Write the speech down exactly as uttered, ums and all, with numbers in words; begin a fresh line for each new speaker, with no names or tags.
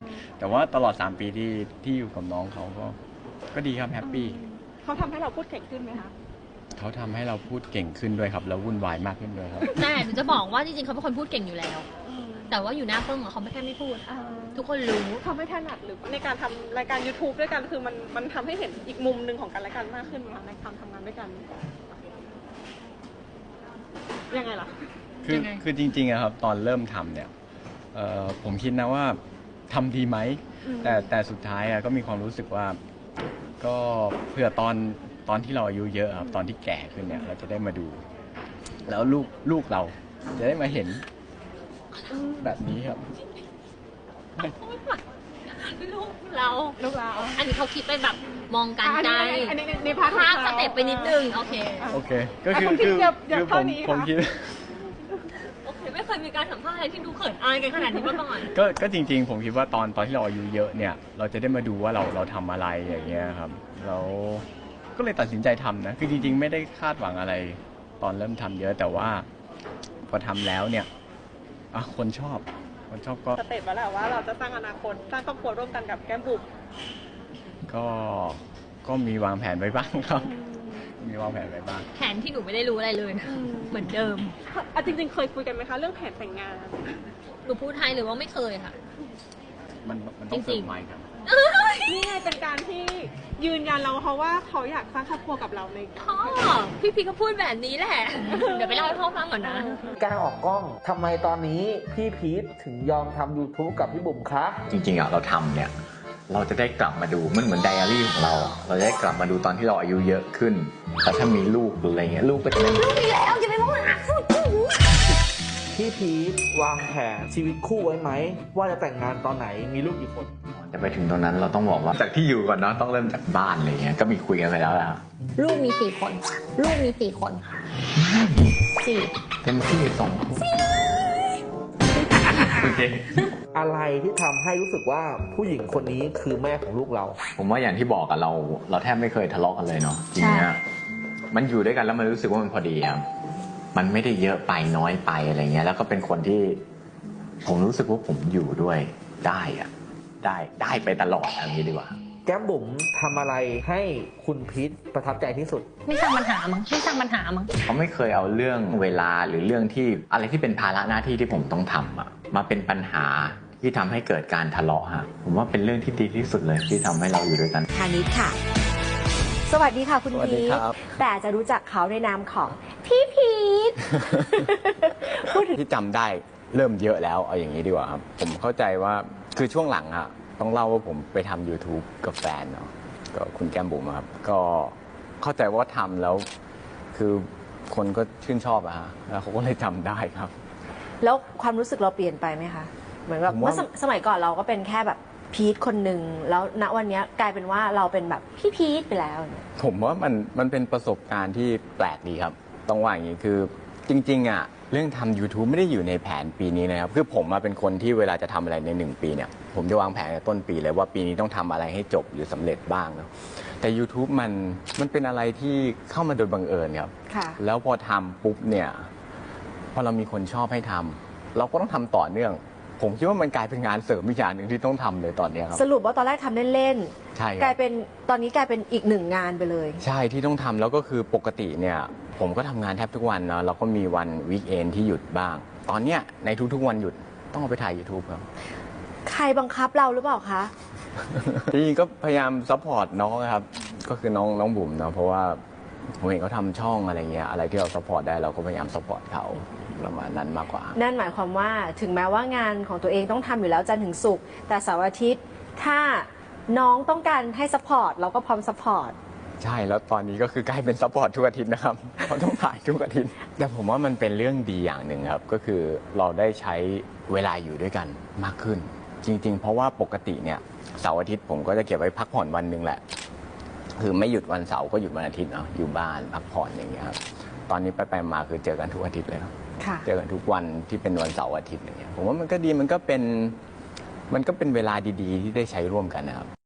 แต่ว่าตลอดสามปีที่ที่อยู่กับน้องเขาก็ก็ดีครับแฮปปี้
เขาทำให้เราพูดเก่งขึ้นไหมคะ
เขาทำให้เราพูดเก่งขึ้นด้วยครับแล้ววุ่นวายมากขึ้นด้วยครับ
แต่หนูจะบอกว่าจริงๆเขาเป็นคนพูดเก่งอยู่แล้วแต่ว่าอยู่หน้ากล้องเขาไม่แค่ไม่พูดทุกคนรู้
เขาไม่ถนัดหรือในการทำรายการ ยูทูบ ด้วยกันคือมันมันทำให้เห็นอีกมุมหนึ่งของกันและกันมากขึ้นไหมคะในการทำงานด้วยกันยังไงล่ะ
คือคือจริงๆอะครับตอนเริ่มทำเนี่ยผมคิดนะว่าทำดีไหมแต่แต่สุดท้ายอะก็มีความรู้สึกว่าก็เพื่อตอนตอนที่เราอายุเยอะครับตอนที่แก่ขึ้นเนี่ยเราจะได้มาดู แล้วลูกลูกเราจะได้มาเห็นแบบนี้ครับ
ลูกเรา
ลูกเรา
อันนี้เขาคิดไปแบบมองกันใจ
อันนี้ในพาร์ท
ภาพสเต็ปไปนิดนึงโอเค
โอเคก็คือคือคือผมผมคิด
โอเคไม่เคยมีการสัมภาษณ์อะไรที่ดูเขินอายกันขนาดนี้มาก่อน
ก็ก็จริงๆผมคิดว่าตอนตอนที่เราอายุเยอะเนี่ยเราจะได้มาดูว่าเราเราทำอะไรอย่างเงี้ยครับเราก็เลยตัดสินใจทำนะคือจริงๆไม่ได้คาดหวังอะไรตอนเริ่มทำเยอะแต่ว่าพอทำแล้วเนี่ยอ่ะคนชอบคนชอบก็
สเต็ปแล้วแหละว่าเราจะสร้างอนาคตสร้างครอบครัวร่วมกันกับแก้มบุ๋ม
ก็ก็มีวางแผนไว้บ้างครับมีวางแผนไว้บ้าง
แผนที่หนูไม่ได้รู้อะไรเลยนะเหมือนเดิม
อ่ะจริงๆเคยคุยกันไหมคะเรื่องแผนแต่งงาน
หนูพูดไทยหรือว่าไม่เคยค่ะ
มันมันต้องเสริมใหม่ครับ
นี่ไงเป็นการที่ยืนยันเราเขาว่าเขาอยากสร้างครอบครัวกับเราใน
พ่อพี่พีก็พูดแบบนี้แหละเดี๋ยวไปเล่าให้พ่อฟังก่อนนะ
การออกกล้องทำไมตอนนี้พี่พีทถึงยอมทำ ยูทูบ กับพี่บุ๋มคะ
จริงๆอ่ะเราทำเนี่ยเราจะได้กลับมาดูมันเหมือนไดอารี่ของเราเราจะได้กลับมาดูตอนที่เราอายุเยอะขึ้นแต่ถ้ามีลูกหรืออะไรเงี้ยลูกก็จะไม่
ลูกมีแล้วจะไปมองหา
พี่พีทวางแผนชีวิตคู่ไว้ไหมว่าจะแต่งงานตอนไหนมีลูกกี่คน
จะไปถึงตรงนั้นเราต้องบอกว่าจากที่อยู่ก่อนเนาะต้องเริ่มจากบ้านอะไรเงี้ยก็มีคุยกันไปแล้วล่ะ
ลูกมีสี่คนลูกมีสี่คนสี่
เต็มที่สองคนโอเค
อะไรที่ทำให้รู้สึกว่าผู้หญิงคนนี้คือแม่ของลูกเรา
ผมว่าอย่างที่บอกอะเราเราแทบไม่เคยทะเลาะกันเลยเนาะจริงๆเนี่ยมันอยู่ด้วยกันแล้วมันรู้สึกว่ามันพอดีครับมันไม่ได้เยอะไปน้อยไปอะไรเงี้ยแล้วก็เป็นคนที่ผมรู้สึกว่าผมอยู่ด้วยได้อะได้ได้ไปตลอดอย่างนี้ดีกว่า
แก้มบุ๋มทำอะไรให้คุณพีทประทับใจที่สุด
ไม่สร้างปัญหามั้งไม่สร้างปัญหามั้ง
เขาไม่เคยเอาเรื่องเวลาหรือเรื่องที่อะไรที่เป็นภาระหน้าที่ที่ผมต้องทำอะมาเป็นปัญหาที่ทำให้เกิดการทะเลาะฮะผมว่าเป็นเรื่องที่ดีที่สุดเลยที่ทำให้เราอยู่ด้วยกัน
ธานิชค่ะสวัสดีค่ะคุณพีทแต่จะรู้จักเขาในนามของพี่พีท
พูดถึงที่จำได้เริ่มเยอะแล้วเอาอย่างนี้ดีกว่าครับผมเข้าใจว่าคือช่วงหลังอะต้องเล่าว่าผมไปทำ ยูทูบ กับแฟนเนาะก็คุณแก้มบุ๋มครับก็เข้าใจว่าทำแล้วคือคนก็ชื่นชอบอะฮะแล้วเขาก็เลยจำได้ครับ
แล้วความรู้สึกเราเปลี่ยนไปไหมคะเหมือนแบบเมื่อสมัยก่อนเราก็เป็นแค่แบบพีทคนหนึ่งแล้วณวันนี้กลายเป็นว่าเราเป็นแบบพี่พีทไปแล้ว
ผมว่ามันมันเป็นประสบการณ์ที่แปลกดีครับต้องว่าอย่างนี้คือจริงๆอะเรื่องทำ ยูทูบ ไม่ได้อยู่ในแผนปีนี้นะครับคือผมมาเป็นคนที่เวลาจะทำอะไรในหนึ่งปีเนี่ยผมจะวางแผนในต้นปีเลยว่าปีนี้ต้องทำอะไรให้จบหรือสำเร็จบ้างเนาะแต่ ยูทูบ มันมันเป็นอะไรที่เข้ามาโดยบังเอิญครับแล้วพอทำปุ๊บเนี่ยพอเรามีคนชอบให้ทำเราก็ต้องทำต่อเนื่องผมคิดว่ามันกลายเป็นงานเสริมอีกอย่างหนึ่งที่ต้องทำเลยตอนนี้ครับ
สรุปว่าตอนแรกทำเล่น
ๆใช่
กลายเป็นตอนนี้กลายเป็นอีกหนึ่งงานไปเลย
ใช่ที่ต้องทำแล้วก็คือปกติเนี่ยผมก็ทำงานแทบทุกวันเนาะเราก็มีวันวีคเอนที่หยุดบ้างตอนเนี้ยในทุกๆวันหยุดต้องเอาไปถ่าย ยูทูบ ครับ
ใครบังคับเราหรือเปล่าคะ
จริงๆก็พยายามซัพพอร์ตน้องครับก็คือน้องน้องบุ๋มเนาะเพราะว่าผมเห็นเขาทำช่องอะไรเงี้ยอะไรที่เราซัพพอร์ตได้เราก็พยายามซัพพอร์ตเขาประมาณนั้นมากกว่า
นั่นหมายความว่าถึงแม้ว่างานของตัวเองต้องทำอยู่แล้วจันทร์ถึงศุกร์แต่เสาร์อาทิตย์ถ้าน้องต้องการให้ซัพพอร์ตเราก็พร้อมซัพพอร์ต
ใช่แล้วตอนนี้ก็คือกลายเป็นซัพพอร์ตทุกอาทิตย์นะครับเขาต้องถ่ายทุกอาทิตย์แต่ผมว่ามันเป็นเรื่องดีอย่างหนึ่งครับก็คือเราได้ใช้เวลาอยู่ด้วยกันมากขึ้นจริงๆเพราะว่าปกติเนี่ยเสาร์อาทิตย์ผมก็จะเก็บไว้พักผ่อนวันหนึ่งแหละคือไม่หยุดวันเสาร์ก็หยุดวันอาทิตย์เนาะอยู่บ้านพักผ่อนอย่างเงี้ยครับตอนนี้ไปๆมาคือเจอกันทุกอาทิตย์เลยครับเจอกันทุกวันที่เป็นวันเสาร์อาทิตย์อย่างเงี้ยผมว่ามันก็ดีมันก็เป็นมันก็เป็นเวลาดีๆที่ได้ใช้ร่วมกันนะครับ